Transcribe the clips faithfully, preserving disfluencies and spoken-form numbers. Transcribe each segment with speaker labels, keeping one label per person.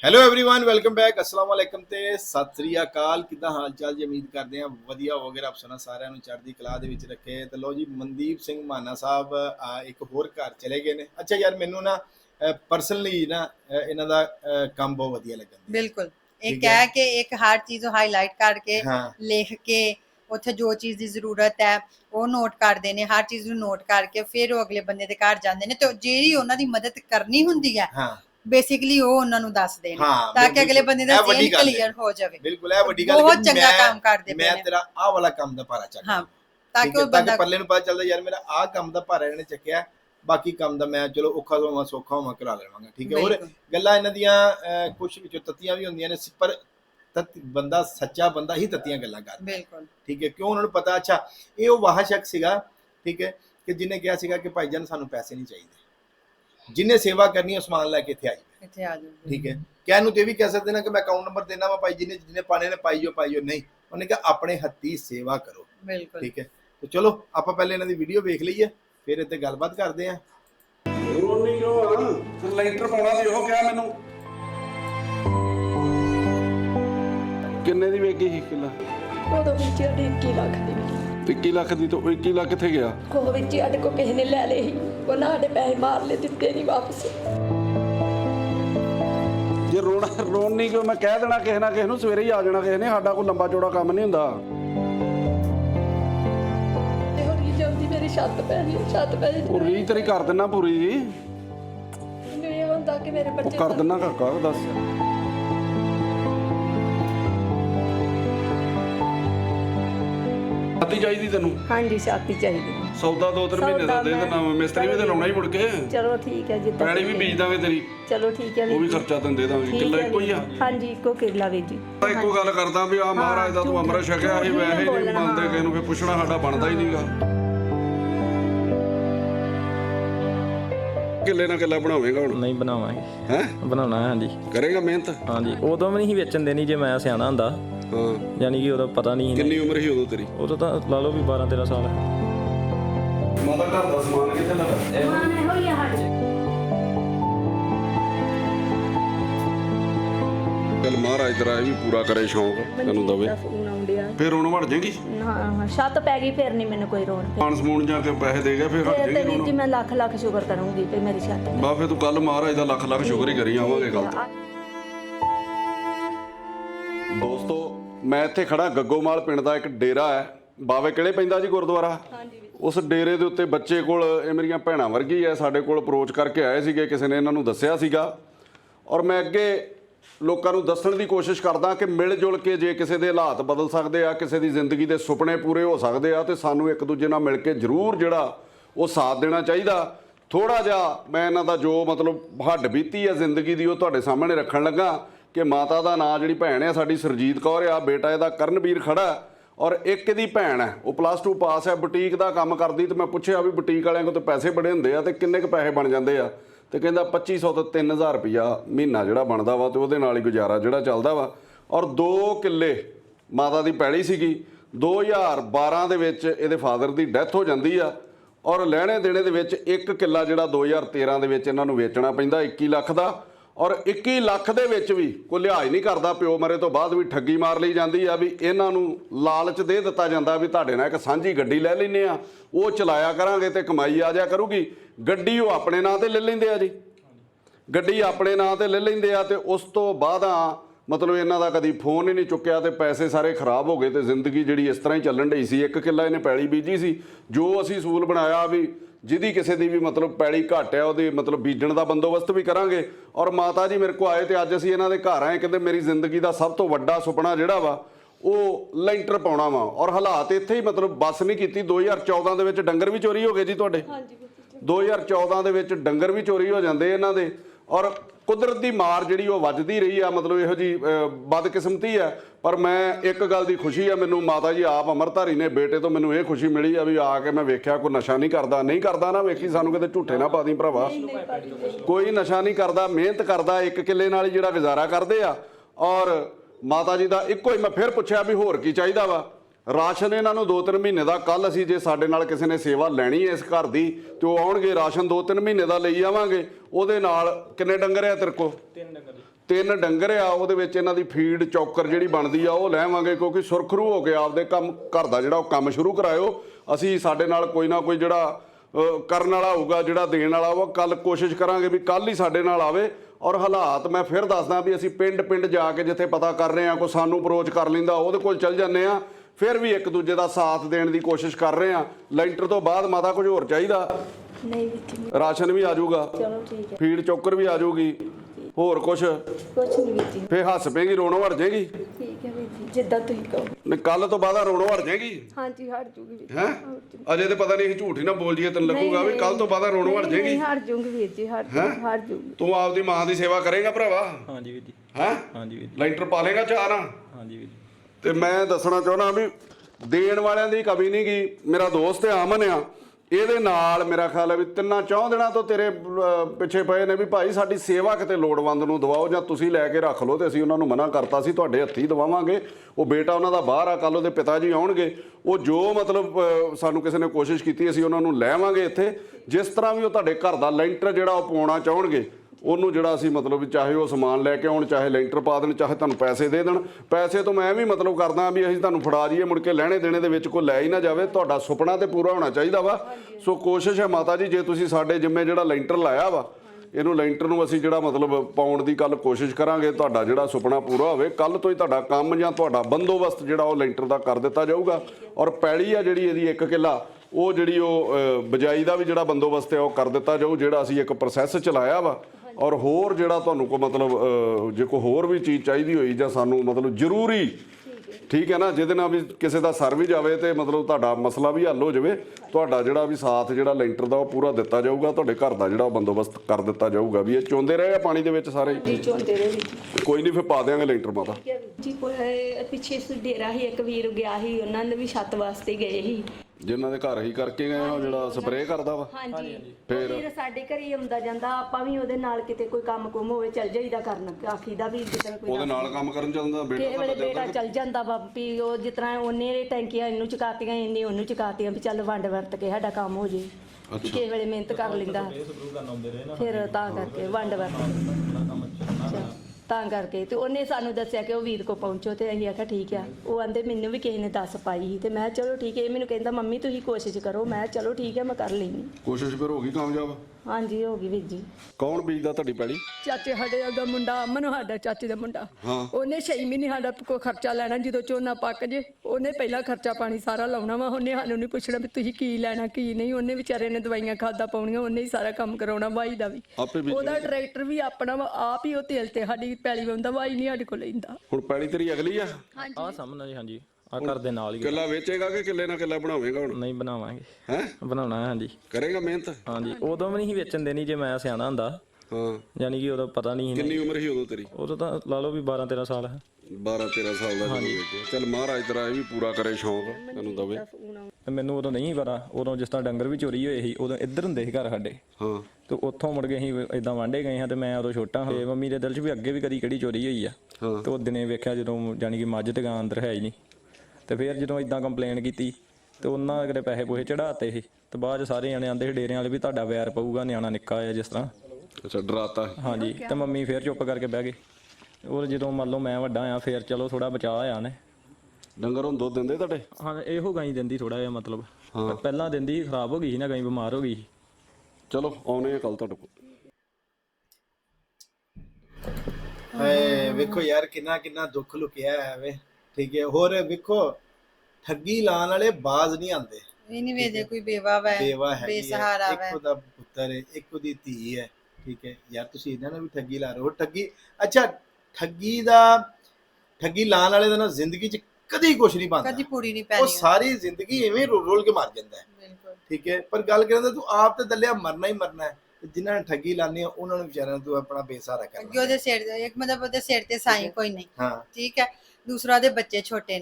Speaker 1: Hello everyone welcome back अस्सलाम वालेकुम ਤੇ ਸਤਿ ਸ੍ਰੀ ਅਕਾਲ। ਕਿੱਦਾਂ ਹਾਲ ਚਾਲ ਜੀ? ਉਮੀਦ ਕਰਦੇ ਹਾਂ ਵਧੀਆ ਹੋਵੇਗਾ। ਰੱਬ ਸੁਣਾ ਸਾਰਿਆਂ ਨੂੰ ਚੜ੍ਹਦੀ ਕਲਾ ਦੇ ਵਿੱਚ ਰੱਖੇ। ਤੇ ਲੋ ਜੀ, ਮਨਦੀਪ ਸਿੰਘ ਮਾਨਾ ਸਾਹਿਬ ਆ, ਇੱਕ ਹੋਰ ਘਰ ਚਲੇ ਗਏ ਨੇ। ਅੱਛਾ ਯਾਰ, ਮੈਨੂੰ ਨਾ ਪਰਸਨਲੀ ਨਾ ਇਹਨਾਂ ਦਾ ਕੰਮ ਬਹੁਤ ਵਧੀਆ ਲੱਗਾ।
Speaker 2: ਬਿਲਕੁਲ, ਇਹ ਕਹਿ ਕੇ ਇੱਕ ਹਰ ਚੀਜ਼ ਨੂੰ ਹਾਈਲਾਈਟ ਕਰਕੇ
Speaker 1: ਹਾਂ
Speaker 2: ਲਿਖ ਕੇ ਉੱਥੇ ਜੋ ਚੀਜ਼ ਦੀ ਜ਼ਰੂਰਤ ਹੈ ਉਹ ਨੋਟ ਕਰਦੇ ਨੇ। ਹਰ ਚੀਜ਼ ਨੂੰ ਨੋਟ ਕਰਕੇ ਫਿਰ ਉਹ ਅਗਲੇ ਬੰਦੇ ਦੇ ਘਰ ਜਾਂਦੇ ਨੇ ਤੇ ਜਿਹੜੀ ਉਹਨਾਂ ਦੀ ਮਦਦ ਕਰਨੀ ਹੁੰਦੀ ਹੈ
Speaker 1: ਹਾਂ
Speaker 2: ਬੇਸਿਕਲੀ ਉਹ ਉਹਨਾਂ ਨੂੰ ਦੱਸਦੇ ਨੇ
Speaker 1: ਹਾਂ,
Speaker 2: ਤਾਂ ਕਿ ਅਗਲੇ ਬੰਦੇ ਦਾ
Speaker 1: ਇਹ ਵੱਡੀ
Speaker 2: ਜ਼ਿਹਨ
Speaker 1: ਗੱਲ ਹੈ।
Speaker 2: ਕਲੀਅਰ ਹੋ ਜਾਵੇ।
Speaker 1: ਬਿਲਕੁਲ, ਇਹ ਵੱਡੀ ਗੱਲ ਹੈ
Speaker 2: ਬਹੁਤ
Speaker 1: ਕਿ
Speaker 2: ਚੰਗਾ
Speaker 1: ਮੈਂ-
Speaker 2: ਕੰਮ ਕਰਦੇ ਪਏ
Speaker 1: ਮੈਂ
Speaker 2: ਨੇ।
Speaker 1: ਤੇਰਾ ਆਹ ਵਾਲਾ ਕੰਮ ਦਾ ਭਾਰਾ ਚੱਕ
Speaker 2: ਹਾਂ, ਤਾਂ
Speaker 1: ਠੀਕ
Speaker 2: ਕਿ
Speaker 1: ਹੈ,
Speaker 2: ਉਹ
Speaker 1: ਤਾਂ ਕਿ
Speaker 2: ਬੰਦਾ
Speaker 1: ਪਰਲੇ ਨੂੰ ਪਤਾ ਚੱਲਦਾ ਯਾਰ ਮੇਰਾ ਆਹ ਕੰਮ ਦਾ ਭਾਰਾ ਇਹਨੇ ਚੱਕਿਆ, ਬਾਕੀ ਕੰਮ ਦਾ ਮੈਂ ਚਲੋ ਔਖਾ ਹੋਵਾਂ ਸੌਖਾ ਹੋਵਾਂ ਕਰਾ ਲਵਾਂਗਾ। ਠੀਕ ਹੈ। ਹੋਰ
Speaker 2: ਬਿਲਕੁਲ।
Speaker 1: ਗੱਲਾਂ ਇਹਨਾਂ ਦੀਆਂ ਕੁਝ ਵਿੱਚੋਂ ਤੱਤੀਆਂ ਵੀ ਹੁੰਦੀਆਂ ਨੇ, ਪਰ ਤਤ ਬੰਦਾ ਸੱਚਾ ਬੰਦਾ ਹੀ ਤੱਤੀਆਂ ਗੱਲਾਂ ਕਰਦਾ।
Speaker 2: ਬਿਲਕੁਲ
Speaker 1: ਠੀਕ ਹੈ, ਕਿਉਂ ਉਹਨਾਂ ਨੂੰ ਪਤਾ। ਅੱਛਾ, ਇਹ ਉਹ ਵਾਹ ਸ਼ਖਸ ਸੀਗਾ, ਠੀਕ ਹੈ, ਕਿ ਜਿਹਨੇ ਕਿਹਾ ਸੀਗਾ ਕਿ ਭਾਈ ਜਾਨ ਸਾਨੂੰ ਪੈਸੇ ਨਹੀਂ ਚਾਹੀਦੇ, ਜਿਹਨੇ ਸੇਵਾ ਕਰਨੀ ਹੈ ਸਮਾਨ ਲੈ ਕੇ ਇੱਥੇ ਆਈ।
Speaker 2: ਇੱਥੇ ਆ ਜਾਓ।
Speaker 1: ਠੀਕ ਹੈ, ਕਹਿਣ ਨੂੰ ਤੇ ਵੀ ਕਹਿ ਸਕਦੇ ਨਾ ਕਿ ਮੈਂ ਅਕਾਊਂਟ ਨੰਬਰ ਦੇਣਾ ਵਾ ਭਾਈ ਜੀ ਨੇ, ਜਿਹਨੇ ਪਾਣੇ ਨੇ ਪਾਈਓ ਪਾਈਓ, ਨਹੀਂ, ਉਹਨੇ ਕਿਹਾ ਆਪਣੇ ਹੱਥੀ ਸੇਵਾ ਕਰੋ।
Speaker 2: ਬਿਲਕੁਲ
Speaker 1: ਠੀਕ ਹੈ, ਤੇ ਚਲੋ ਆਪਾਂ ਪਹਿਲੇ ਇਹਨਾਂ ਦੀ ਵੀਡੀਓ ਵੇਖ ਲਈਏ, ਫਿਰ ਇੱਥੇ ਗੱਲਬਾਤ ਕਰਦੇ ਆਂ।
Speaker 3: ਰੋਣੀ ਕਿਉਂ ਆ? ਲੈਂਟਰ ਪਾਉਣਾ ਸੀ, ਉਹ ਕਿਹਾ ਮੈਨੂੰ। ਕਿੰਨੇ ਦੀ ਵੇਚੀ ਸੀ ਕਿੱਲਾ?
Speaker 4: ਉਦੋਂ ਵਿੱਚ ਸਾਡੇ ਇੱਕੀ ਲੱਖ ਦੀ ਵਿਕੀ।
Speaker 3: ਇੱਕੀ ਲੱਖ ਦੀ ਤੋਂ ਇੱਕੀ ਲੱਖ ਕਿੱਥੇ ਗਿਆ?
Speaker 4: ਉਹ ਵਿੱਚ ਸਾਡੇ ਕੋਲ ਕਿਸੇ ਨੇ ਲੈ ਲਏ ਸੀ, ਉਹਨਾਂ ਸਾਡੇ ਪੈਸੇ ਮਾਰ ਲਏ, ਦਿੱਤੇ ਨਹੀਂ ਵਾਪਸ।
Speaker 3: ਜੇ ਰੋਣਾ ਰੋਣ ਨਹੀਂ ਕਿਉਂ? ਮੈਂ ਕਹਿ ਦੇਣਾ ਕਿਸੇ ਨਾ ਕਿਸੇ ਨੂੰ, ਸਵੇਰੇ ਹੀ ਆ ਜਾਣਾ ਕਿਸੇ ਨੇ। ਸਾਡਾ ਕੋਈ ਲੰਬਾ ਚੌੜਾ ਕੰਮ ਨਹੀਂ ਹੁੰਦਾ।
Speaker 4: ਤੇ ਹੁਣ ਕੀ ਜਲਦੀ ਮੇਰੀ ਛੱਤ ਪੈ ਗਈ, ਛੱਤ ਪੈ ਗਈ।
Speaker 3: ਉਹ ਰੀ ਤੇਰੀ ਕਰ ਦੇਣਾ ਪੂਰੀ ਜੀ।
Speaker 4: ਮੈਨੂੰ ਇਹ ਹੁੰਦਾ ਕਿ ਮੇਰੇ
Speaker 3: ਉਹ
Speaker 4: ਬੱਚੇ
Speaker 3: ਕਰ ਦੇਣਾ ਕਾਕਾ, ਦੱਸ। ਛਾਤੀ ਚਾਹੀਦੀ ਤੈਨੂੰ?
Speaker 4: ਹਾਂਜੀ ਛਾਤੀ ਚਾਹੀਦੀ।
Speaker 3: ਸੌਦਾ ਦੋ ਤਿੰਨ ਮਹੀਨੇ ਦਾ ਦੇ ਦੇਣਾ, ਮਿਸਤਰੀ ਵੀ ਤੇ ਲਾਉਣਾ ਹੀ ਮੁੜ ਕੇ।
Speaker 4: ਚਲੋ ਠੀਕ ਹੈ ਜਿੱਦਾਂ
Speaker 3: ਪੈਲੀ ਵੀ ਬੀਜ ਦਾਂਗੇ ਤੇਰੀ,
Speaker 4: ਚਲੋ ਠੀਕ ਹੈ
Speaker 3: ਉਹ ਵੀ ਖਰਚਾ ਤੈਨੂੰ ਦੇ ਦਾਂਗੇ। ਕਿੱਲਾ ਇੱਕੋ ਹੀ ਆ?
Speaker 4: ਹਾਂਜੀ ਇੱਕੋ ਕਿੱਲਾ ਵੀਰ ਜੀ।
Speaker 3: ਇੱਕੋ ਗੱਲ ਕਰਦਾ ਵੀ ਆ ਮਹਾਰਾਜ ਦਾ ਤੂੰ ਅੰਮ੍ਰਿਤ ਛਕਿਆ, ਅਸੀਂ ਵੈਸੇ ਹੀ ਨਹੀਂ ਮੰਨਦੇ ਕਿਸੇ ਨੂੰ, ਫਿਰ ਪੁੱਛਣਾ ਸਾਡਾ ਬਣਦਾ ਹੀ ਨਹੀਂਗਾ। ਕਿੱਲੇ ਨਾਲ ਕਿੱਲਾ ਬਣਾਵੇਂਗਾ ਹੁਣ?
Speaker 5: ਨਹੀਂ ਬਣਾਵਾਂਗੇ।
Speaker 3: ਹੈ
Speaker 5: ਬਣਾਉਣਾ ਹੈ, ਹਾਂਜੀ
Speaker 3: ਕਰੇਗਾ ਮਿਹਨਤ?
Speaker 5: ਹਾਂਜੀ। ਉਦੋਂ ਵੀ ਨਹੀਂ ਸੀ ਵੇਚਣ ਦੇਣੀ ਜੇ ਮੈਂ ਸਿਆਣਾ ਹੁੰਦਾ,
Speaker 3: ਹਾਂ।
Speaker 5: ਯਾਨੀ ਕਿ ਉਦੋਂ ਪਤਾ ਨਹੀਂ ਸੀ।
Speaker 3: ਕਿੰਨੀ ਉਮਰ ਸੀ ਉਦੋਂ ਤੇਰੀ?
Speaker 5: ਉਦੋਂ ਤਾਂ ਲਾ ਲਓ ਵੀ ਬਾਰਾਂ ਤੇਰਾਂ ਸਾਲ।
Speaker 3: ਮਾਤਾ ਘਰ ਦਾ ਸਮਾਨ ਕਿੱਥੇ ਲੱਗਾ? ਚੱਲ ਮਹਾਰਾਜ ਤੇਰਾ ਇਹ ਵੀ ਪੂਰਾ ਕਰੇ ਸ਼ੌਂਕ ਤੈਨੂੰ ਦਵੇ।
Speaker 4: ਫੋਨ ਆਉਂਦਿਆ।
Speaker 3: ਫਿਰ ਹੁਣ ਵੜ ਜਾਏਗੀ?
Speaker 4: ਹਾਂ ਹਾਂ ਛੱਤ ਪੈ ਗਈ, ਫਿਰ ਨਹੀਂ ਮੈਨੂੰ ਕੋਈ ਰੋਣ।
Speaker 3: ਪਾਣ ਸਮੂਨ ਜਾ ਕੇ ਪੈਸੇ ਦੇ ਗਿਆ, ਫਿਰ ਹਟ
Speaker 4: ਫਿਰ ਤੇ
Speaker 3: ਜਾਏਗੀ
Speaker 4: ਵੀਰ ਜੀ
Speaker 3: ਹੁਣ।
Speaker 4: ਮੈਂ ਲੱਖ ਲੱਖ ਸ਼ੁਕਰ ਕਰੂੰਗੀ ਕਿ ਮੇਰੀ ਛੱਤ ਪੈ ਗਈ।
Speaker 3: ਬਾ ਫਿਰ ਤੂੰ ਕੱਲ ਮਹਾਰਾਜ ਦਾ ਲੱਖ ਲੱਖ ਸ਼ੁਕਰ ਹੀ ਕਰੀ ਆਵਾਂਗੇ ਕੱਲ ਤੋਂ। ਦੋਸਤੋ, ਮੈਂ ਇੱਥੇ ਖੜਾ ਗੱਗੋਮਾਲ ਪਿੰਡ ਦਾ ਇੱਕ ਡੇਰਾ ਹੈ। ਬਾਵੇ ਕਿਹੜੇ ਪੈਂਦਾ ਜੀ ਗੁਰਦੁਆਰਾ? ਉਸ ਡੇਰੇ ਦੇ ਉੱਤੇ ਬੱਚੇ ਕੋਲ, ਇਹ ਮੇਰੀਆਂ ਭੈਣਾਂ ਵਰਗੀ ਹੈ, ਸਾਡੇ ਕੋਲ ਅਪਰੋਚ ਕਰਕੇ ਆਏ ਸੀਗੇ, ਕਿਸੇ ਨੇ ਇਹਨਾਂ ਨੂੰ ਦੱਸਿਆ ਸੀਗਾ। ਔਰ ਮੈਂ ਅੱਗੇ ਲੋਕਾਂ ਨੂੰ ਦੱਸਣ ਦੀ ਕੋਸ਼ਿਸ਼ ਕਰਦਾ ਕਿ ਮਿਲ ਜੁਲ ਕੇ ਜੇ ਕਿਸੇ ਦੇ ਹਾਲਾਤ ਬਦਲ ਸਕਦੇ ਆ, ਕਿਸੇ ਦੀ ਜ਼ਿੰਦਗੀ ਦੇ ਸੁਪਨੇ ਪੂਰੇ ਹੋ ਸਕਦੇ ਆ, ਤੇ ਸਾਨੂੰ ਇੱਕ ਦੂਜੇ ਨਾਲ ਮਿਲ ਕੇ ਜ਼ਰੂਰ ਜਿਹੜਾ ਉਹ ਸਾਥ ਦੇਣਾ ਚਾਹੀਦਾ। ਥੋੜ੍ਹਾ ਜਿਹਾ ਮੈਂ ਇਹਨਾਂ ਦਾ ਜੋ ਮਤਲਬ ਹੱਡ ਬੀਤੀ ਆ ਜ਼ਿੰਦਗੀ ਦੀ ਉਹ ਤੁਹਾਡੇ ਸਾਹਮਣੇ ਰੱਖਣ ਲੱਗਾ ਕਿ ਮਾਤਾ ਦਾ ਨਾਂ ਜਿਹੜੀ ਭੈਣ ਆ ਸਾਡੀ ਸਰਜੀਤ ਕੌਰ ਆ, ਬੇਟਾ ਇਹਦਾ ਕਰਨਵੀਰ ਖੜਾ, ਔਰ ਇੱਕ ਇਹਦੀ ਭੈਣ ਹੈ ਉਹ ਪਲੱਸ ਟੂ ਪਾਸ ਹੈ, ਬੁਟੀਕ ਦਾ ਕੰਮ ਕਰਦੀ। ਤੇ ਮੈਂ ਪੁੱਛਿਆ ਵੀ ਬੁਟੀਕ ਵਾਲਿਆਂ ਕੋਲ ਤਾਂ ਪੈਸੇ ਬੜੇ ਹੁੰਦੇ ਆ ਤੇ ਕਿੰਨੇ ਕੁ ਪੈਸੇ ਬਣ ਜਾਂਦੇ ਆ? ਤੇ ਕਹਿੰਦਾ ਪੱਚੀ ਸੌ ਤੋਂ ਤਿੰਨ ਹਜ਼ਾਰ ਰੁਪਈਆ ਮਹੀਨਾ ਜਿਹੜਾ ਬਣਦਾ ਵਾ, ਤੇ ਉਹਦੇ ਨਾਲ ਹੀ ਗੁਜ਼ਾਰਾ ਜਿਹੜਾ ਚੱਲਦਾ ਵਾ। ਔਰ ਦੋ ਕਿੱਲੇ ਮਾਤਾ ਦੀ ਪੈਲੀ ਸੀਗੀ। ਦੋ ਹਜ਼ਾਰ ਬਾਰਾਂ ਦੇ ਵਿੱਚ ਇਹਦੇ ਫਾਦਰ ਦੀ ਡੈਥ ਹੋ ਜਾਂਦੀ ਆ, ਔਰ ਲੈਣੇ ਦੇਣੇ ਦੇ ਵਿੱਚ ਇੱਕ ਕਿੱਲਾ ਜਿਹੜਾ ਦੋ ਹਜ਼ਾਰ ਤੇਰਾਂ ਦੇ ਵਿੱਚ ਇਹਨਾਂ ਨੂੰ ਵੇਚਣਾ ਪੈਂਦਾ ਇੱਕੀ ਲੱਖ ਦਾ। ਔਰ ਇੱਕੀ ਲੱਖ ਦੇ ਵਿੱਚ ਵੀ ਕੋਈ ਲਿਹਾਜ਼ ਨਹੀਂ ਕਰਦਾ, ਪਿਓ ਮਰੇ ਤੋਂ ਬਾਅਦ ਵੀ ਠੱਗੀ ਮਾਰ ਲਈ ਜਾਂਦੀ ਆ, ਵੀ ਇਹਨਾਂ ਨੂੰ ਲਾਲਚ ਦੇ ਦਿੱਤਾ ਜਾਂਦਾ ਵੀ ਤੁਹਾਡੇ ਨਾਲ ਇੱਕ ਸਾਂਝੀ ਗੱਡੀ ਲੈ ਲੈਂਦੇ ਆ, ਉਹ ਚਲਾਇਆ ਕਰਾਂਗੇ ਤੇ ਕਮਾਈ ਆ ਜਾ ਕਰੂਗੀ। ਗੱਡੀ ਉਹ ਆਪਣੇ ਨਾਂ ਤੇ ਲੈ ਲੈਂਦੇ ਆ ਜੀ, ਗੱਡੀ ਆਪਣੇ ਨਾਂ ਤੇ ਲੈ ਲੈਂਦੇ ਆ। ਤੇ ਉਸ ਤੋਂ ਬਾਅਦ ਮਤਲਬ ਇਹਨਾਂ ਦਾ ਕਦੀ ਫੋਨ ਹੀ ਨਹੀਂ ਚੁੱਕਿਆ, ਤੇ ਪੈਸੇ ਸਾਰੇ ਖਰਾਬ ਹੋ ਗਏ, ਤੇ ਜ਼ਿੰਦਗੀ ਜਿਹੜੀ ਇਸ ਤਰ੍ਹਾਂ ਹੀ ਚੱਲਣ ਢਈ ਸੀ। ਇੱਕ ਕਿੱਲਾ ਇਹਨੇ ਪੈਲੀ ਬੀਜੀ ਸੀ, ਜੋ ਅਸੀਂ ਅਸੂਲ ਬਣਾਇਆ ਵੀ ਜਿਹਦੀ ਕਿਸੇ ਦੀ ਵੀ ਮਤਲਬ ਪੈਲੀ ਘੱਟ ਆ ਉਹਦੀ ਮਤਲਬ ਬੀਜਣ ਦਾ ਬੰਦੋਬਸਤ ਵੀ ਕਰਾਂਗੇ। ਔਰ ਮਾਤਾ ਜੀ ਮੇਰੇ ਕੋਲ ਆਏ ਤੇ ਅੱਜ ਅਸੀਂ ਇਹਨਾਂ ਦੇ ਘਰ ਆਏ, ਕਹਿੰਦੇ ਮੇਰੀ ਜ਼ਿੰਦਗੀ ਦਾ ਸਭ ਤੋਂ ਵੱਡਾ ਸੁਪਨਾ ਜਿਹੜਾ ਵਾ ਉਹ ਲੈਂਟਰ ਪਾਉਣਾ ਵਾ। ਔਰ ਹਾਲਾਤ ਇੱਥੇ ਹੀ ਮਤਲਬ ਬੱਸ ਨਹੀਂ ਕੀਤੀ। ਦੋ ਹਜ਼ਾਰ ਚੌਦਾਂ ਦੇ ਵਿੱਚ ਡੰਗਰ ਵੀ ਚੋਰੀ ਹੋ ਗਏ ਜੀ ਤੁਹਾਡੇ। ਦੋ ਹਜ਼ਾਰ ਚੌਦਾਂ ਦੇ ਵਿੱਚ ਡੰਗਰ ਵੀ ਚੋਰੀ ਹੋ ਜਾਂਦੇ ਇਹਨਾਂ ਦੇ। ਔਰ ਕੁਦਰਤ ਦੀ ਮਾਰ ਜਿਹੜੀ ਉਹ ਵੱਜਦੀ ਰਹੀ ਆ, ਮਤਲਬ ਇਹੋ ਜੀ ਬਦਕਿਸਮਤੀ ਆ। ਪਰ ਮੈਂ ਇੱਕ ਗੱਲ ਦੀ ਖੁਸ਼ੀ ਆ ਮੈਨੂੰ, ਮਾਤਾ ਜੀ ਆਪ ਅੰਮ੍ਰਿਤਧਾਰੀ ਨੇ, ਬੇਟੇ ਤੋਂ ਮੈਨੂੰ ਇਹ ਖੁਸ਼ੀ ਮਿਲੀ ਆ ਵੀ ਆ ਕੇ ਮੈਂ ਵੇਖਿਆ ਕੋਈ ਨਸ਼ਾ ਨਹੀਂ ਕਰਦਾ। ਨਹੀਂ ਕਰਦਾ ਨਾ, ਵੇਖੀ ਸਾਨੂੰ ਕਿਤੇ ਝੂਠੇ ਨਾ ਪਾ ਦੀ ਭਰਾਵਾ, ਕੋਈ ਨਸ਼ਾ ਨਹੀਂ ਕਰਦਾ, ਮਿਹਨਤ ਕਰਦਾ, ਇੱਕ ਕਿੱਲੇ ਨਾਲ ਹੀ ਜਿਹੜਾ ਗੁਜ਼ਾਰਾ ਕਰਦੇ ਆ। ਔਰ ਮਾਤਾ ਜੀ ਦਾ ਇੱਕੋ ਹੀ, ਮੈਂ ਫਿਰ ਪੁੱਛਿਆ ਵੀ ਹੋਰ ਕੀ ਚਾਹੀਦਾ ਵਾ? ਰਾਸ਼ਨ ਇਹਨਾਂ ਨੂੰ ਦੋ ਤਿੰਨ ਮਹੀਨੇ ਦਾ। ਕੱਲ ਅਸੀਂ ਜੇ ਸਾਡੇ ਨਾਲ ਕਿਸੇ ਨੇ ਸੇਵਾ ਲੈਣੀ ਹੈ ਇਸ ਘਰ ਦੀ ਤੇ ਉਹ ਆਉਣਗੇ, ਰਾਸ਼ਨ ਦੋ ਤਿੰਨ ਮਹੀਨੇ ਦਾ ਲਈ ਆਵਾਂਗੇ। ਉਹਦੇ ਨਾਲ ਕਿੰਨੇ ਡੰਗਰ ਆ ਤੇਰੇ ਕੋਲ? ਤਿੰਨ ਡੰਗਰ। ਤਿੰਨ ਡੰਗਰ ਆ, ਉਹਦੇ ਵਿੱਚ ਇਹਨਾਂ ਦੀ ਫੀਡ ਚੌਕਰ ਜਿਹੜੀ ਬਣਦੀ ਆ ਉਹ ਲੈਵਾਂਗੇ, ਕਿਉਂਕਿ ਸੁਰਖਰੂ ਹੋ ਕੇ ਆਪਦੇ ਕੰਮ ਘਰ ਦਾ ਜਿਹੜਾ ਉਹ ਕੰਮ ਸ਼ੁਰੂ ਕਰਾਇਓ। ਅਸੀਂ ਸਾਡੇ ਨਾਲ ਕੋਈ ਨਾ ਕੋਈ ਜਿਹੜਾ ਅ, ਕਰਨ ਵਾਲਾ ਹੋਊਗਾ, ਜਿਹੜਾ ਦੇਣ ਵਾਲਾ ਉਹ ਕੱਲ ਕੋਸ਼ਿਸ਼ ਕਰਾਂਗੇ ਵੀ ਕੱਲ ਹੀ ਸਾਡੇ ਨਾਲ ਆਵੇ। ਔਰ ਹਾਲਾਤ ਮੈਂ ਫਿਰ ਦੱਸਦਾ ਵੀ ਅਸੀਂ ਪਿੰਡ ਪਿੰਡ ਜਾ ਕੇ ਜਿੱਥੇ ਪਤਾ ਕਰ ਰਹੇ ਹਾਂ, ਕੋਈ ਸਾਨੂੰ ਅਪਰੋਚ ਕਰ ਲੈਂਦਾ ਉਹਦੇ ਕੋਲ ਚੱਲ ਜਾਂਦੇ ਆ, ਫਿਰ ਵੀ ਇੱਕ ਦੂਜੇ ਦਾ ਸਾਥ ਦੇਣ ਦੀ ਕੋਸ਼ਿਸ਼ ਕਰ ਰਹੇ ਆ। ਲੈਂਟਰ ਤੋਂ ਬਾਅਦ ਮਾਤਾ ਕੁਝ ਹੋਰ ਚਾਹੀਦਾ?
Speaker 4: ਨਹੀਂ ਵੀਰ ਜੀ,
Speaker 3: ਰਾਸ਼ਨ ਵੀ ਆ ਜਾਊਗਾ,
Speaker 4: ਚਲੋ ਠੀਕ ਹੈ।
Speaker 3: ਫੀਡ ਚੌਕਰ ਵੀ ਆ ਜਾਊਗੀ, ਹੋਰ ਕੁਛ?
Speaker 4: ਕੁਛ ਨਹੀਂ ਵੀਰ ਜੀ।
Speaker 3: ਫੇ ਹੱਸ ਪਏਗੀ, ਰੋਣੋਂ ਹਟ ਜਾਏਗੀ?
Speaker 4: ਠੀਕ ਹੈ ਵੀਰ ਜੀ, ਜਿੱਦਾਂ ਤੁਸੀਂ ਕਹੋ।
Speaker 3: ਨਹੀਂ ਕੱਲ ਤੋਂ ਬਾਅਦ ਰੋਣੋਂ ਹਟ ਜਾਏਗੀ?
Speaker 4: ਹਾਂਜੀ ਹਟ ਜੂਗੀ ਵੀਰ ਜੀ।
Speaker 3: ਹੈ ਅਜੇ ਤੇ ਪਤਾ ਨਹੀਂ, ਅਸੀਂ ਝੂਠ ਹੀ ਨਾ ਬੋਲ ਜੀਏ, ਤੈਨੂੰ ਲੱਗੂਗਾ ਵੀ ਕੱਲ ਤੋਂ ਬਾਅਦ ਰੋਣੋਂ ਹਟ ਜਾਏਗੀ।
Speaker 4: ਨਹੀਂ ਹਟ ਜੂਗੀ ਵੀਰ ਜੀ, ਹਟ ਜੂਗੀ, ਹਟ ਜੂਗੀ।
Speaker 3: ਤੂੰ ਆਪਦੀ ਮਾਂ ਦੀ ਸੇਵਾ ਕਰੇਗਾ ਭਰਾਵਾ?
Speaker 5: ਹਾਂਜੀ ਵੀਰ ਜੀ।
Speaker 3: ਹੈ
Speaker 5: ਹਾਂਜੀ ਵੀਰ ਜੀ।
Speaker 3: ਲੈਂਟਰ ਪਾ ਲੇਗਾ ਚਾਹ ਨਾ?
Speaker 5: ਹਾਂਜੀ ਵੀਰ ਜੀ।
Speaker 3: ਤੇ ਮੈਂ ਦੱਸਣਾ ਚਾਹੁੰਦਾ ਵੀ ਦੇਣ ਵਾਲਿਆਂ ਦੀ ਕਮੀ ਨਹੀਂ ਗੀ। ਮੇਰਾ ਦੋਸਤ ਹੈ ਅਮਨ ਆ, ਇਹਦੇ ਨਾਲ ਮੇਰਾ ਖਿਆਲ ਹੈ ਵੀ ਤਿੰਨਾਂ ਚੌਂ ਦਿਨਾਂ ਤੋਂ ਤੇਰੇ ਅਹ, ਪਿੱਛੇ ਪਏ ਨੇ ਵੀ ਭਾਈ ਸਾਡੀ ਸੇਵਾ ਕਿਤੇ ਲੋੜਵੰਦ ਨੂੰ ਦਵਾਓ, ਜਾਂ ਤੁਸੀਂ ਲੈ ਕੇ ਰੱਖ ਲਓ। ਤੇ ਅਸੀਂ ਉਹਨਾਂ ਨੂੰ ਮਨਾ ਕਰਤਾ ਸੀ, ਤੁਹਾਡੇ ਹੱਥੀਂ ਦਵਾਵਾਂਗੇ। ਉਹ ਬੇਟਾ ਉਹਨਾਂ ਦਾ ਬਾਹਰ ਆ, ਕੱਲ ਉਹਦੇ ਪਿਤਾ ਜੀ ਆਉਣਗੇ, ਉਹ ਜੋ ਮਤਲਬ ਅਹ, ਸਾਨੂੰ ਕਿਸੇ ਨੇ ਕੋਸ਼ਿਸ਼ ਕੀਤੀ ਅਸੀਂ ਉਹਨਾਂ ਨੂੰ ਲੈਵਾਂਗੇ ਇੱਥੇ। ਜਿਸ ਤਰ੍ਹਾਂ ਵੀ ਉਹ ਤੁਹਾਡੇ ਘਰ ਦਾ ਲੈਂਟਰ ਜਿਹੜਾ ਉਹ ਪਾਉਣਾ ਚਾਹਣਗੇ, ਉਹਨੂੰ ਜਿਹੜਾ ਅਸੀਂ ਮਤਲਬ ਵੀ ਚਾਹੇ ਉਹ ਸਮਾਨ ਲੈ ਕੇ ਆਉਣ, ਚਾਹੇ ਲੈਂਟਰ ਪਾ ਦੇਣ, ਚਾਹੇ ਤੁਹਾਨੂੰ ਪੈਸੇ ਦੇ ਦੇਣ। ਪੈਸੇ ਤੋਂ ਮੈਂ ਵੀ ਮਤਲਬ ਕਰਦਾ ਵੀ ਅਸੀਂ ਤੁਹਾਨੂੰ ਫੜਾ ਜਾਈਏ, ਮੁੜ ਕੇ ਲੈਣੇ ਦੇਣੇ ਦੇ ਵਿੱਚ ਕੋਈ ਲੈ ਹੀ ਨਾ ਜਾਵੇ। ਤੁਹਾਡਾ ਸੁਪਨਾ ਤੇ ਪੂਰਾ ਹੋਣਾ ਚਾਹੀਦਾ ਵਾ। ਸੋ ਕੋਸ਼ਿਸ਼ ਹੈ ਮਾਤਾ ਜੀ, ਜੇ ਤੁਸੀਂ ਸਾਡੇ ਜਿੰਮੇ ਜਿਹੜਾ ਲੈਂਟਰ ਲਾਇਆ ਵਾ, ਇਹਨੂੰ ਲੈਂਟਰ ਨੂੰ ਅਸੀਂ ਜਿਹੜਾ ਮਤਲਬ ਪਾਉਣ ਦੀ ਕੱਲ ਕੋਸ਼ਿਸ਼ ਕਰਾਂਗੇ, ਤੁਹਾਡਾ ਜਿਹੜਾ ਸੁਪਨਾ ਪੂਰਾ ਹੋਵੇ। ਕੱਲ ਤੋਂ ਹੀ ਤੁਹਾਡਾ ਕੰਮ ਜਾਂ ਤੁਹਾਡਾ ਬੰਦੋਬਸਤ ਜਿਹੜਾ ਉਹ ਲੈਂਟਰ ਦਾ ਕਰ ਦਿੱਤਾ ਜਾਊਗਾ। ਔਰ ਪੈਲੀ ਆ ਜਿਹੜੀ ਇਹਦੀ ਇੱਕ ਕਿੱਲਾ, ਉਹ ਜਿਹੜੀ ਉਹ ਅ, ਬਿਜਾਈ ਦਾ ਵੀ ਜਿਹੜਾ ਬੰਦੋਬਸਤ ਹੈ ਉਹ ਕਰ ਦਿੱਤਾ ਜਾਊ, ਜਿਹੜਾ ਅਸੀਂ ਇੱਕ ਪ੍ਰੋਸੈਸ ਚਲਾਇਆ ਵਾ। ਔਰ ਹੋਰ ਜਿਹੜਾ ਤੁਹਾਨੂੰ ਕੋ ਮਤਲਬ ਅ, ਜੇ ਕੋਈ ਹੋਰ ਵੀ ਚੀਜ਼ ਚਾਹੀਦੀ ਹੋਈ ਜਾਂ ਸਾਨੂੰ ਮਤਲਬ ਜ਼ਰੂਰੀ, ਠੀਕ ਹੈ ਨਾ, ਜਿਹਦੇ ਨਾਲ ਵੀ ਕਿਸੇ ਦਾ ਸਰ ਵੀ ਜਾਵੇ ਤੇ ਮਤਲਬ ਤੁਹਾਡਾ ਮਸਲਾ ਵੀ ਹੱਲ ਹੋ ਜਾਵੇ, ਤੁਹਾਡਾ ਜਿਹੜਾ ਵੀ ਸਾਥ ਜਿਹੜਾ ਲੈਂਟਰ ਦਾ ਉਹ ਪੂਰਾ ਦਿੱਤਾ ਜਾਊਗਾ। ਤੁਹਾਡੇ ਘਰ ਦਾ ਜਿਹੜਾ ਉਹ ਬੰਦੋਬਸਤ ਕਰ ਦਿੱਤਾ ਜਾਊਗਾ। ਵੀ ਇਹ ਚੋਂਦੇ ਰਹੇ ਆ ਪਾਣੀ ਦੇ ਵਿੱਚ ਸਾਰੇ?
Speaker 4: ਜੀ ਚੋਂਦੇ ਰਹੇ ਵੀਰ ਜੀ।
Speaker 3: ਕੋਈ ਨਹੀਂ, ਫਿਰ ਪਾ ਦਿਆਂਗੇ ਲੈਂਟਰ ਮਾਤਾ
Speaker 4: ਜੀ ਕੋਈ ਪਿੱਛੇ ਸੀ ਡੇਰਾ ਹੀ ਇੱਕ ਵੀਰ ਗਿਆ ਸੀ, ਉਹਨਾਂ ਨੇ ਵੀ ਛੱਤ ਵਾਸਤੇ ਗਏ ਸੀ।
Speaker 3: ਜਿਨ੍ਹਾਂ ਦੇ ਘਰ ਹੀ ਕਰਕੇ ਗਏ ਆ, ਉਹ ਜਿਹੜਾ ਸਪਰੇਅ ਕਰਦਾ ਵਾ।
Speaker 4: ਹਾਂਜੀ
Speaker 3: ਫਿਰ
Speaker 4: ਵੀਰ ਸਾਡੇ ਘਰੇ ਹੀ ਆਉਂਦਾ ਜਾਂਦਾ, ਆਪਾਂ ਵੀ ਉਹਦੇ ਨਾਲ ਕਿਤੇ ਕੋਈ ਕੰਮ ਕੁਮ ਹੋਵੇ ਚੱਲ ਜਾਈਦਾ ਕਰਨ। ਆਖੀਦਾ ਵੀ ਜਿਸ ਤਰ੍ਹਾਂ ਕੋਈ
Speaker 3: ਉਹਦੇ ਨਾਲ ਕੰਮ ਕਰਨ ਚੱਲਦਾ ਬੇਟਾ
Speaker 4: ਕਿਸੇ ਵੇਲੇ ਬੇਟਾ ਚੱਲ ਜਾਂਦਾ ਵਾ ਵੀ ਉਹ ਜਿਸ ਤਰ੍ਹਾਂ ਉਹਨੇ ਟੈਂਕੀਆਂ ਇਹਨੂੰ ਚੁਕਾਤੀਆਂ, ਇਹਨੇ ਉਹਨੂੰ ਚੁਕਾਤੀਆਂ, ਵੀ ਚੱਲ ਵੰਡ ਵਰਤ ਕੇ ਸਾਡਾ ਕੰਮ ਹੋ ਜੇ। ਕਿਸੇ ਵੇਲੇ ਮਿਹਨਤ ਕਰ ਲੈਂਦਾ, ਫਿਰ ਤਾਂ ਕਰਕੇ ਵੰਡ ਵਰਤ ਤਾਂ ਕਰਕੇ ਤੇ ਉਹਨੇ ਸਾਨੂੰ ਦੱਸਿਆ ਕਿ ਉਹ ਵੀਰ ਕੋ ਪਹੁੰਚੋ, ਤੇ ਅਸੀਂ ਆਖਿਆ ਠੀਕ ਆ। ਉਹ ਆਂਦੇ ਮੈਨੂੰ ਵੀ ਕਿਸੇ ਨੇ ਦੱਸ ਪਾਈ ਸੀ, ਤੇ ਮੈਂ ਚਲੋ ਠੀਕ ਹੈ। ਇਹ ਮੈਨੂੰ ਕਹਿੰਦਾ ਮੰਮੀ ਤੁਸੀਂ ਕੋਸ਼ਿਸ਼ ਕਰੋ, ਮੈਂ ਚਲੋ ਠੀਕ ਹੈ ਮੈਂ ਕਰ ਲੈਣੀ।
Speaker 3: ਕੋਸ਼ਿਸ਼ ਫਿਰ ਹੋ ਗਈ ਕਾਮਯਾਬ?
Speaker 4: ਹਾਂਜੀ ਹੋ ਗਈ ਵੀਰ ਜੀ।
Speaker 3: ਕੌਣ ਬੀਜਦਾ ਤੁਹਾਡੀ ਪੈਲੀ?
Speaker 4: ਚਾਚੇ ਸਾਡੇ ਦਾ ਮੁੰਡਾ ਅਮਨ, ਸਾਡਾ ਚਾਚੇ ਦਾ ਮੁੰਡਾ,
Speaker 3: ਹਾਂ।
Speaker 4: ਉਹਨੇ ਛੇ ਮਹੀਨੇ ਸਾਡਾ ਕੋਈ ਖਰਚਾ ਲੈਣਾ। ਜਦੋਂ ਝੋਨਾ ਪੱਕ ਜੇ ਉਹਨੇ ਪਹਿਲਾਂ ਖਰਚਾ ਪਾਣੀ ਸਾਰਾ ਲਾਉਣਾ ਵਾ। ਉਹਨੇ ਸਾਨੂੰ ਨਹੀਂ ਪੁੱਛਣਾ ਵੀ ਤੁਸੀਂ ਕੀ ਲੈਣਾ ਕੀ ਨਹੀਂ। ਉਹਨੇ ਵਿਚਾਰੇ ਨੇ ਦਵਾਈਆਂ ਖਾਦਾਂ ਪਾਉਣੀਆਂ, ਉਹਨੇ ਹੀ ਸਾਰਾ ਕੰਮ ਕਰਾਉਣਾ। ਵਾਈ ਦਾ ਵੀ
Speaker 3: ਆਪੇ ਬੀਜ
Speaker 4: ਉਹਦਾ ਟਰੈਕਟਰ ਵੀ ਆਪਣਾ ਵਾ, ਆਪ ਹੀ ਉਹ ਤੇਲ ਤੇ ਸਾਡੀ ਪੈਲੀ ਵਾਉਂਦਾ, ਵਾਈ ਨਹੀਂ ਸਾਡੇ ਕੋਲ ਲੈਂਦਾ।
Speaker 3: ਹੁਣ ਪੈਲੀ ਤੇਰੀ ਅਗਲੀ ਆ?
Speaker 5: ਆਹ ਸਾਹਮਣੇ ਜੀ। ਹਾਂਜੀ ਆ ਘਰ ਦੇ ਨਾਲ ਹੀ।
Speaker 3: ਕਿੱਲਾ ਵੇਚੇਗਾ ਕਿ ਕਿੱਲੇ ਨਾਲ ਕਿੱਲਾ ਬਣਾਵੇਂਗਾ ਹੁਣ?
Speaker 5: ਨਹੀਂ ਬਣਾਵਾਂਗੇ।
Speaker 3: ਹੈ
Speaker 5: ਬਣਾਉਣਾ ਹੈ ਹਾਂਜੀ।
Speaker 3: ਕਰੇਗਾ ਮਿਹਨਤ?
Speaker 5: ਹਾਂਜੀ ਉਦੋਂ ਵੀ ਨਹੀਂ ਵੇਚਣ ਦੇਣੀ ਜੇ ਮੈਂ ਸਿਆਣਾ ਹੁੰਦਾ।
Speaker 3: ਹਾਂ
Speaker 5: ਯਾਨੀ ਕਿ ਉਦੋਂ ਪਤਾ ਨਹੀਂ ਸੀ।
Speaker 3: ਕਿੰਨੀ ਉਮਰ ਸੀ ਉਦੋਂ ਤੇਰੀ?
Speaker 5: ਉਦੋਂ ਤਾਂ ਲਾ ਲਓ ਵੀ ਬਾਰਾਂ ਤੇਰਾਂ ਸਾਲ ਹੈ।
Speaker 3: ਬਾਰਾਂ ਤੇਰਾਂ ਸਾਲ ਦਾ ਜਦੋਂ ਵੇਚਿਆ। ਚੱਲ ਮਹਾਰਾਜ ਤੇਰਾ ਇਹ ਵੀ ਪੂਰਾ ਕਰੇ ਸ਼ੌਂਕ, ਤੈਨੂੰ ਦਵੇ।
Speaker 5: ਤੇ ਮੈਨੂੰ ਉਦੋਂ ਨਹੀਂ ਪਤਾ, ਉਦੋਂ ਜਿਸ ਤਰ੍ਹਾਂ ਡੰਗਰ ਵੀ ਚੋਰੀ ਹੋਏ ਸੀ, ਉਦੋਂ ਇੱਧਰ ਹੁੰਦੇ ਸੀ ਘਰ ਸਾਡੇ।
Speaker 3: ਹਾਂ
Speaker 5: ਤੇ ਉੱਥੋਂ ਮੁੜ ਕੇ ਅਸੀਂ ਇਦਾਂ ਵਾਂਢੇ ਗਏ ਹਾਂ, ਤੇ ਮੈਂ ਉਦੋਂ ਛੋਟਾ ਹਾਂ। ਤੇ ਮੰਮੀ ਦੇ ਦਿਲ 'ਚ ਵੀ ਅੱਗੇ ਵੀ ਕਦੀ ਕਿਹੜੀ ਚੋਰੀ ਹੋਈ ਆ।
Speaker 3: ਹਾਂ।
Speaker 5: ਤੇ ਉਹ ਦਿਨੇ ਵੇਖਿਆ ਜਦੋਂ ਯਾਨੀ ਕਿ ਮੱਝ ਤੇ ਗਾਂ ਅੰਦਰ ਹੈ ਹੀ ਨਹੀਂ। ਤੇ ਫਿਰ ਜਦੋਂ ਇਦਾਂ ਕੰਪਲੇਨ ਕੀਤੀ ਤੇ ਉਹਨਾਂ ਅਗਲੇ ਪੈਸੇ ਪੂਸੇ ਚੜਾਤੇ ਸੀ। ਤੇ ਬਾਅਦ 'ਚ ਸਾਰੇ ਜਣੇ ਆਂਦੇ ਸੀ ਡੇਰਿਆਂ ਵਾਲੇ ਵੀ ਤੁਹਾਡਾ ਵੈਰ ਪਊਗਾ, ਨਿਆਣਾ ਨਿੱਕਾ ਆ ਜਿਸ ਤਰ੍ਹਾਂ।
Speaker 3: ਅੱਛਾ ਡਰਾਤਾ?
Speaker 5: ਹਾਂਜੀ। ਤੇ ਮੰਮੀ ਫਿਰ ਚੁੱਪ ਕਰਕੇ ਬਹਿ ਗਏ। ਉਹ ਜਦੋਂ ਮੰਨ ਲਓ ਮੈਂ ਵੱਡਾ ਆ, ਫਿਰ ਚਲੋ ਥੋੜਾ ਬਚਾਅ ਆਇਆ ਨੇ।
Speaker 3: ਡੰਗਰ ਹੁਣ ਦੁੱਧ ਦਿੰਦੇ ਤੁਹਾਡੇ?
Speaker 5: ਹਾਂ ਇਹੋ ਗਾਈ ਦਿੰਦੀ ਥੋੜਾ ਜਿਹਾ, ਮਤਲਬ ਪਹਿਲਾਂ ਦਿੰਦੀ, ਖਰਾਬ ਹੋ ਗਈ ਸੀ ਨਾ ਗਾਈ, ਬਿਮਾਰ ਹੋ ਗਈ ਸੀ।
Speaker 3: ਚਲੋ ਆਉਣੇ ਆ ਕੱਲ ਤੁਹਾਡੇ ਕੋਲ।
Speaker 1: ਹਾਏ ਵੇਖੋ ਯਾਰ ਕਿੰਨਾ ਕਿੰਨਾ ਦੁੱਖ ਲੁਕਿਆ ਹੈ ਵੇ। ਠੀਕ ਹੈ। ਹੋਰ ਵੇਖੋ ਠੱਗੀ ਲਾਉਣ ਵਾਲੇ ਬਾਜ਼ ਨਹੀਂ ਆਉਂਦੇ।
Speaker 2: ਇਹ ਨਹੀਂ ਵੇਦੇ ਕੋਈ ਬੇਵਾ ਵਾ,
Speaker 1: ਬੇਵਾ ਹੈ,
Speaker 2: ਬੇਸਹਾਰਾ ਵਾ।
Speaker 1: ਇੱਕ ਉਹਦਾ ਪੁੱਤਰ ਹੈ, ਇੱਕ ਉਹਦੀ ਧੀ ਹੈ। ਠੀਕ ਹੈ ਯਾਰ, ਤੁਸੀਂ ਇਹਨਾਂ ਨੂੰ ਵੀ ਠੱਗੀ ਲਾ ਰਹੇ ਹੋ। ਠੱਗੀ ਅੱਛਾ ਠੱਗੀ ਦਾ ਠੱਗੀ ਲਾਉਣ ਵਾਲੇ ਦਾ ਨਾ ਜ਼ਿੰਦਗੀ 'ਚ ਕਦੀ ਕੁਛ ਨਹੀਂ ਬਣਦਾ,
Speaker 2: ਕਦੀ ਪੂਰੀ ਨਹੀਂ
Speaker 1: ਉਹ
Speaker 2: ਪੈਣੀ।
Speaker 1: ਸਾਰੀ ਜ਼ਿੰਦਗੀ ਐਵੇਂ ਰੋਲ ਰੋਲ ਕੇ ਮਰ ਜਾਂਦਾ ਹੈ।
Speaker 2: ਬਿਲਕੁਲ
Speaker 1: ਠੀਕ ਹੈ। ਪਰ ਗੱਲ ਕਰਾਂ ਤਾਂ ਤੂੰ ਆਪ ਤੇ ਦੱਲਿਆ ਮਰਨਾ ਹੀ ਮਰਨਾ ਹੈ। ਜਿਨ੍ਹਾਂ ਨੇ ਠੱਗੀ ਲਾਣੀ ਆ ਉਹਨਾਂ ਨੂੰ ਵਿਚਾਰਿਆਂ ਨੂੰ ਤੂੰ ਆਪਣਾ ਬੇਸਹਾਰਾ
Speaker 2: ਅੱਗੇ
Speaker 1: ਕਰਨਾ।
Speaker 2: ਉਹਦੇ ਸਿਰ ਤੇ ਇੱਕ ਮਤਲਬ ਉਹਦੇ ਸਿਰ ਤੇ ਸਾਈ ਕੋਈ ਨਹੀਂ।
Speaker 1: ਹਾਂ
Speaker 2: ਠੀਕ ਹੈ। ਦੂਸਰਾ ਉਹਦੇ ਬੱਚੇ ਛੋਟੇ ਨੇ,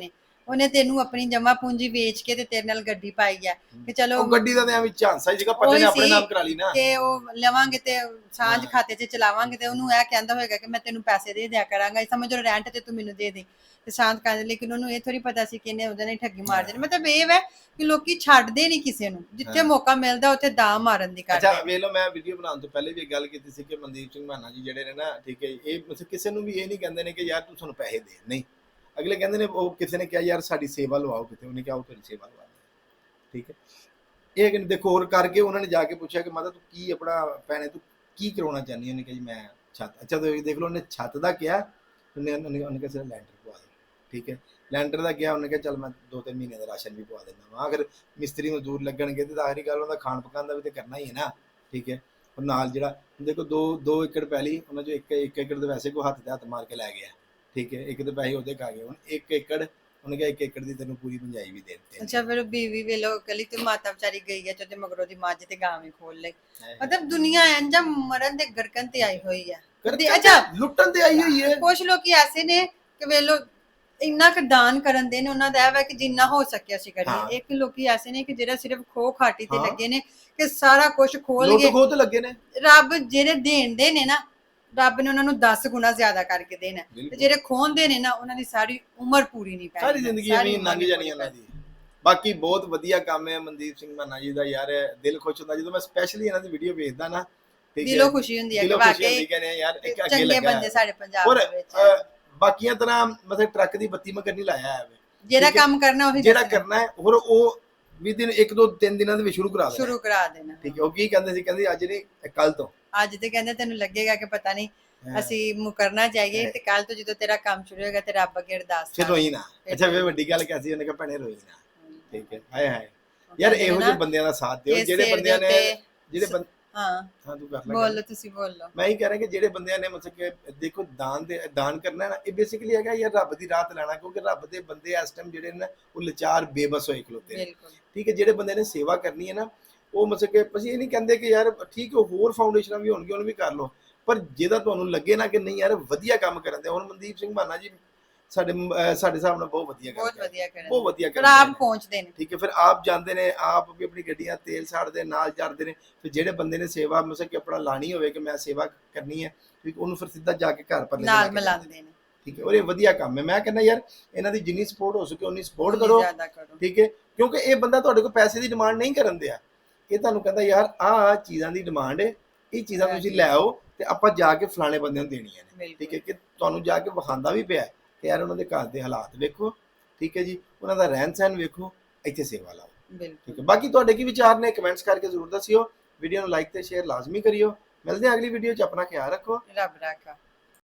Speaker 2: ਉਹਨੇ ਤੈਨੂੰ ਆਪਣੀ ਜਮਾ ਪੂੰਜੀ ਵੇਚ ਕੇ ਤੇ ਤੇਰੇ ਨਾਲ ਗੱਡੀ ਪਾਈ ਆ ਕਿ ਚਲੋ
Speaker 1: ਉਹ ਗੱਡੀ ਦਾ ਤੇ ਐਵੇਂ ਝਾਂਸਾ ਹੀ ਸੀਗਾ, ਪੱਟੇ ਨੇ ਆਪਣੇ ਨਾਮ ਕਰਾ ਲਈ ਨਾ
Speaker 2: ਕਿ ਉਹ ਲਵਾਂਗੇ ਤੇ ਸਾਂਝ ਖਾਤੇ 'ਚ ਚਲਾਵਾਂਗੇ ਤੇ ਉਹਨੂੰ ਇਹ ਕਹਿੰਦਾ ਹੋਏਗਾ ਕਿ ਮੈਂ ਤੈਨੂੰ ਪੈਸੇ ਦੇ ਦਿਆ ਕਰਾਂਗਾ, ਸਮਝ ਲਓ ਰੈਂਟ ਤੇ ਤੂੰ ਮੈਨੂੰ ਦੇ ਦੇ ਤੇ ਸ਼ਾਂਤ ਕਰ। ਲੇਕਿਨ ਉਹਨੂੰ ਇਹ ਥੋੜੀ ਪਤਾ ਸੀ ਕਿ ਇਹਨੇ ਉਹਦੇ ਨਾਲ ਠੱਗੀ ਮਾਰ ਦੇਣੀ। ਮਤਲਬ ਇਹ ਹੈ ਕਿ ਲੋਕੀ ਛੱਡਦੇ ਨਹੀਂ ਕਿਸੇ ਨੂੰ, ਜਿੱਥੇ ਮੌਕਾ ਮਿਲਦਾ ਉੱਥੇ ਦਾ ਮਾਰਨ ਦੀ ਕਰਦੇ।
Speaker 1: ਅੱਛਾ ਵੇਖ ਲਓ, ਮੈਂ ਵੀਡੀਓ ਬਣਾਉਣ ਤੋਂ ਪਹਿਲੇ ਵੀ ਇੱਕ ਗੱਲ ਕੀਤੀ ਸੀ ਕਿ ਮਨਦੀਪ ਸਿੰਘ ਮਾਨਾ ਜੀ ਜਿਹੜੇ ਨੇ ਨਾ, ਠੀਕ ਹੈ, ਇਹ ਮਤਲਬ ਕਿਸੇ ਨੂੰ ਵੀ ਇਹ ਨਹੀਂ ਕਹਿੰਦੇ ਨੇ ਕਿ ਯਾਰ ਤੂੰ ਸਾਨੂੰ ਪੈਸੇ ਦੇ, ਨਹੀਂ, ਅਗਲੇ ਕਹਿੰਦੇ ਨੇ, ਉਹ ਕਿਸੇ ਨੇ ਕਿਹਾ ਯਾਰ ਸਾਡੀ ਸੇਵਾ ਲਵਾਓ ਕਿਤੇ, ਉਹਨੇ ਕਿਹਾ ਉਹ ਤੇਰੀ ਸੇਵਾ ਲਵਾ ਦੇ, ਠੀਕ ਹੈ। ਇਹ ਕਿ ਦੇਖੋ ਹੋਰ ਕਰਕੇ ਉਹਨਾਂ ਨੇ ਜਾ ਕੇ ਪੁੱਛਿਆ ਕਿ ਮਾਤਾ ਤੂੰ ਕੀ ਆਪਣਾ ਭੈਣੇ ਤੂੰ ਕੀ ਕਰਾਉਣਾ ਚਾਹੁੰਦੀ, ਉਹਨੇ ਕਿਹਾ ਜੀ ਮੈਂ ਛੱਤ। ਅੱਛਾ ਤੁਸੀਂ ਦੇਖ ਲਓ, ਉਹਨੇ ਛੱਤ ਦਾ ਕਿਹਾ, ਉਹਨੇ ਉਹਨੇ ਉਹਨੇ ਕਿਹਾ ਸਿਰ ਲੈਂਟਰ ਪਵਾ ਦੇ, ਠੀਕ ਹੈ। ਲੈਂਟਰ ਦਾ ਕਿਹਾ, ਉਹਨੇ ਕਿਹਾ ਚੱਲ ਮੈਂ ਦੋ ਤਿੰਨ ਮਹੀਨੇ ਦਾ ਰਾਸ਼ਨ ਵੀ ਪਵਾ ਦਿੰਦਾ ਵਾ। ਅਗਰ ਮਿਸਤਰੀ ਮਜ਼ਦੂਰ ਲੱਗਣਗੇ ਤੇ ਆਖਰੀ ਗੱਲ ਉਹਦਾ ਖਾਣ ਪਕਾਉਣ ਦਾ ਵੀ ਤੇ ਕਰਨਾ ਹੀ ਹੈ ਨਾ, ਠੀਕ ਹੈ। ਉਹ ਨਾਲ ਜਿਹੜਾ ਦੇਖੋ ਦੋ ਦੋ ਏਕੜ ਪੈਲੀ ਉਹਨਾਂ ਚੋਂ ਇੱਕ ਇੱਕ ਏਕੜ ਦੇ ਵੈਸੇ ਕੋ ਹੱਥ ਤੇ ਹੱਥ ਮਾਰ ਕੇ ਲੈ ਗਿਆ, ਠੀਕ ਹੈ। ਇੱਕ ਤੇ ਪੈਸੇ ਉਹਦੇ ਖਾ ਗਏ, ਹੁਣ ਇੱਕ ਏਕੜ ਉਹਨੇ ਕਿਹਾ ਇੱਕ ਏਕੜ ਦੀ ਤੈਨੂੰ ਪੂਰੀ ਪੰਜਾਈ ਵੀ ਦੇ ਦਿੱਤੀ।
Speaker 2: ਅੱਛਾ ਫਿਰ ਬੀਵੀ ਵੇਲੋ ਕਲੀ ਤੇ ਮਾਤਾ ਵਿਚਾਰੀ ਗਈ ਹੈ ਤੇ ਮਗਰੋਂ ਦੀ ਮੱਝ ਤੇ ਗਾਂ ਵੀ ਖੋਲ ਲਈ। ਮਤਲਬ ਦੁਨੀਆ ਇੰਜ ਮਰਨ ਦੇ ਗਰਕਨ ਤੇ ਆਈ ਹੋਈ ਹੈ। ਅੱਛਾ
Speaker 1: ਲੁੱਟਣ ਤੇ ਆਈ ਹੋਈ ਹੈ।
Speaker 2: ਕੁਝ ਲੋਕੀ ਐਸੇ ਨੇ ਕਿ ਵੇਲੋ ਇੰਨਾ ਕੁ ਦਾਨ ਕਰਨ ਦੇ ਨੇ, ਉਹਨਾਂ ਦਾ ਇਹ ਵਾ ਕਿ ਜਿੰਨਾ ਹੋ ਸਕਿਆ ਸੀ ਕਰੀਏ। ਇੱਕ ਲੋਕੀ ਐਸੇ ਨੇ ਕਿ ਜਿਹੜਾ ਸਿਰਫ ਖੋ ਖਾਟੀ ਤੇ ਲੱਗੇ ਨੇ ਕਿ ਸਾਰਾ ਕੁਝ ਖੋਲ ਗਏ,
Speaker 1: ਖੋਹ ਤੇ ਲੱਗੇ ਨੇ।
Speaker 2: ਰੱਬ ਜਿਹੜੇ ਦੇਣ ਦੇ ਨੇ ਨਾ, ਰੱਬ ਨੇ ਉਹਨਾਂ ਨੂੰ ਦਸ ਗੁਣਾ ਜ਼ਿਆਦਾ ਕਰਕੇ ਦੇਣਾ, ਤੇ ਜਿਹੜੇ ਖੋਹਦੇ ਨੇ ਨਾ ਉਹਨਾਂ ਦੀ ਸਾਰੀ ਉਮਰ ਪੂਰੀ ਨਹੀਂ ਪੈਣੀ,
Speaker 1: ਸਾਰੀ ਜ਼ਿੰਦਗੀ ਐਵੇਂ ਲੰਘ ਜਾਣੀ ਉਹਨਾਂ ਦੀ। ਬਾਕੀ ਬਹੁਤ ਵਧੀਆ ਕੰਮ ਹੈ ਮਨਦੀਪ ਸਿੰਘ ਮਾਨਾ ਜੀ ਦਾ, ਯਾਰ ਦਿਲ ਖੁਸ਼ ਹੁੰਦਾ ਜਦੋਂ ਮੈਂ ਸਪੈਸ਼ਲੀ ਇਹਨਾਂ ਦੀ ਵੀਡੀਓ ਵੇਖਦਾ ਨਾ,
Speaker 2: ਦਿਲੋਂ ਖੁਸ਼ੀ ਹੁੰਦੀ ਹੈ ਕਿ ਵਾਕਈ
Speaker 1: ਯਾਰ ਇੱਕ ਅੱਗੇ
Speaker 2: ਚੰਗੇ
Speaker 1: ਲੱਗਾ
Speaker 2: ਬੰਦੇ ਸਾਡੇ ਪੰਜਾਬ ਦੇ ਵਿੱਚ।
Speaker 1: ਬਾਕੀਆਂ ਤਰ੍ਹਾਂ ਮਤਲਬ ਟਰੱਕ ਦੀ ਬੱਤੀ ਮੈਂ ਕਰਨੀ ਲਾਇਆ ਹੈ,
Speaker 2: ਜਿਹੜਾ ਕੰਮ ਕਰਨਾ ਉਹੀ
Speaker 1: ਜਿਹੜਾ ਕਰਨਾ ਹੈ, ਹੋਰ ਉਹ ਵੀ ਦਿਨ ਇੱਕ ਦੋ ਤਿੰਨ ਦਿਨਾਂ ਦੇ ਵਿੱਚ ਸ਼ੁਰੂ ਕਰਾ ਦੇਣਾ
Speaker 2: ਸ਼ੁਰੂ ਕਰਾ ਦੇਣਾ,
Speaker 1: ਠੀਕ ਹੈ। ਉਹ ਕੀ ਕਹਿੰਦੇ ਸੀ, ਕਹਿੰਦੇ ਅੱਜ ਨਹੀਂ ਕੱਲ ਤੋਂ।
Speaker 2: ਅੱਜ ਤੇ ਕਹਿੰਦੇ ਤੈਨੂੰ ਲੱਗੇਗਾ ਕਿ ਪਤਾ ਨਹੀਂ ਅਸੀਂ ਮੁਕਰਨਾ ਚਾਹੀਏ, ਤੇ ਕੱਲ ਤੋਂ ਜਦੋਂ ਤੇਰਾ ਕੰਮ ਸ਼ੁਰੂ ਹੋਏਗਾ ਤੇ ਰੱਬ ਅੱਗੇ ਅਰਦਾਸ
Speaker 1: ਫਿਰ ਰੋਈ ਨਾ। ਅੱਛਾ ਫਿਰ ਵੱਡੀ ਗੱਲ ਕਿਹਾ ਸੀ ਉਹਨੇ, ਕਿਹਾ ਭੈਣੇ ਰੋਈ ਨਾ, ਠੀਕ ਹੈ। ਹਾਏ ਹਾਏ ਯਾਰ ਇਹੋ ਜਿਹੇ ਬੰਦਿਆਂ ਦਾ ਸਾਥ ਦਿਓ, ਜਿਹੜੇ ਬੰਦਿਆਂ ਨੇ ਜਿਹੜੇ
Speaker 2: ਹਾਂ
Speaker 1: ਹਾਂ ਤੂੰ ਕਰ ਲੈ,
Speaker 2: ਬੋਲੋ ਤੁਸੀਂ ਬੋਲੋ।
Speaker 1: ਮੈਂ ਹੀ ਕਹਿ ਰਿਹਾ ਕਿ ਜਿਹੜੇ ਬੰਦਿਆਂ ਨੇ ਮਤਲਬ ਕਿ ਦੇਖੋ ਦਾਨ ਦੇ ਦਾਨ ਕਰਨਾ ਨਾ, ਇਹ ਬੇਸਿਕਲੀ ਹੈਗਾ ਯਾਰ ਰੱਬ ਦੀ ਰਾਹ ਤੇ ਲੈਣਾ, ਕਿਉਂਕਿ ਰੱਬ ਦੇ ਬੰਦੇ ਇਸ ਟਾਈਮ ਜਿਹੜੇ ਨੇ ਉਹ ਲਾਚਾਰ ਬੇਬਸ ਹੋਏ ਖਲੋਤੇ ਨੇ, ਠੀਕ ਹੈ। ਜਿਹੜੇ ਬੰਦੇ ਨੇ ਸੇਵਾ ਕਰਨੀ ਹੈ ਨਾ, ਉਹ ਮਤਲਬ ਕਿ ਅਸੀਂ ਇਹ ਨਹੀਂ ਕਹਿੰਦੇ ਕਿ ਯਾਰ ਠੀਕ ਹੈ ਹੋਰ ਫਾਊਂਡੇਸ਼ਨਾਂ ਵੀ ਹੋਣਗੀਆਂ ਉਹਨੂੰ ਵੀ ਕਰ ਲਓ, ਪਰ ਜਿਹਦਾ ਤੁਹਾਨੂੰ ਲੱਗੇ ਨਾ ਕਿ ਨਹੀਂ ਯਾਰ ਵਧੀਆ ਕੰਮ ਕਰਨ ਦੇ। ਹੁਣ ਮਨਦੀਪ ਸਿੰਘ ਮਾਨਾ ਜੀ ਸਾਡੇ ਸਾਡੇ ਹਿਸਾਬ ਨਾਲ ਬਹੁਤ ਵਧੀਆ ਕਰਦੇ,
Speaker 2: ਬਹੁਤ ਵਧੀਆ ਕਰਦੇ,
Speaker 1: ਬਹੁਤ ਵਧੀਆ ਕਰਦੇ,
Speaker 2: ਆਪ ਪਹੁੰਚਦੇ ਨੇ,
Speaker 1: ਠੀਕ ਹੈ। ਫਿਰ ਆਪ ਜਾਂਦੇ ਨੇ, ਆਪ ਵੀ ਆਪਣੀ ਗੱਡੀਆਂ ਤੇਲ ਸਾੜਦੇ ਨਾਲ ਜਾਂਦੇ ਨੇ। ਫਿਰ ਜਿਹੜੇ ਬੰਦੇ ਨੇ ਸੇਵਾ ਮਤਲਬ ਕਿ ਆਪਣਾ ਲਾਣੀ ਹੋਵੇ ਕਿ ਮੈਂ ਸੇਵਾ ਕਰਨੀ ਹੈ, ਠੀਕ, ਉਹਨੂੰ ਫਿਰ ਸਿੱਧਾ ਜਾ ਕੇ ਘਰ ਪਰ
Speaker 2: ਨਾਲ ਮਿਲਾਉਂਦੇ ਨੇ,
Speaker 1: ਠੀਕ ਹੈ। ਔਰ ਇਹ ਵਧੀਆ ਕੰਮ ਹੈ। ਮੈਂ ਕਹਿੰਦਾ ਯਾਰ ਇਹਨਾਂ ਦੀ ਜਿੰਨੀ ਸਪੋਰਟ ਹੋ ਸਕੇ ਉਨੀ ਸਪੋਰਟ ਕਰੋ, ਠੀਕ ਹੈ। ਕਿਉਂਕਿ ਇਹ ਬੰਦਾ ਤੁਹਾਡੇ ਕੋਲ ਪੈਸੇ ਦੀ ਡਿਮਾਂਡ ਨਹੀਂ ਕਰਨ ਦਿਆ, ਇਹ ਤੁਹਾਨੂੰ ਕਹਿੰਦਾ ਯਾਰ ਆਹ ਚੀਜ਼ਾਂ ਦੀ ਡਿਮਾਂਡ ਹੈ, ਇਹ ਚੀਜ਼ਾਂ ਤੁਸੀਂ ਲੈ ਆਓ ਤੇ ਆਪਾਂ ਜਾ ਕੇ ਫਲਾਣੇ ਬੰਦਿਆਂ ਨੂੰ ਦੇਣੀਆਂ ਨੇ, ਠੀਕ ਹੈ। ਕਿ ਤੁਹਾਨੂੰ ਜਾ ਕੇ ਵਿਖਾਉਂਦਾ ਵੀ ਪਿਆ ਕਿ ਯਾਰ ਉਹਨਾਂ ਦੇ ਘਰ ਦੇ ਹਾਲਾਤ ਵੇਖੋ, ਠੀਕ ਹੈ ਜੀ, ਉਹਨਾਂ ਦਾ ਰਹਿਣ ਸਹਿਣ ਵੇਖੋ, ਇੱਥੇ ਸੇਵਾ ਲਾਓ, ਠੀਕ ਹੈ। ਬਾਕੀ ਤੁਹਾਡੇ ਕੀ ਵਿਚਾਰ ਨੇ ਕਮੈਂਟਸ ਕਰਕੇ ਜ਼ਰੂਰ ਦੱਸਿਓ। ਵੀਡੀਓ ਨੂੰ ਲਾਈਕ ਤੇ ਸ਼ੇਅਰ ਲਾਜ਼ਮੀ ਕਰਿਓ। ਮਿਲਦੇ ਹਾਂ ਅਗਲੀ ਵੀਡੀਓ 'ਚ, ਆਪਣਾ ਖਿਆਲ ਰੱਖੋ,
Speaker 2: ਰੱਬ ਰਾਖਾ।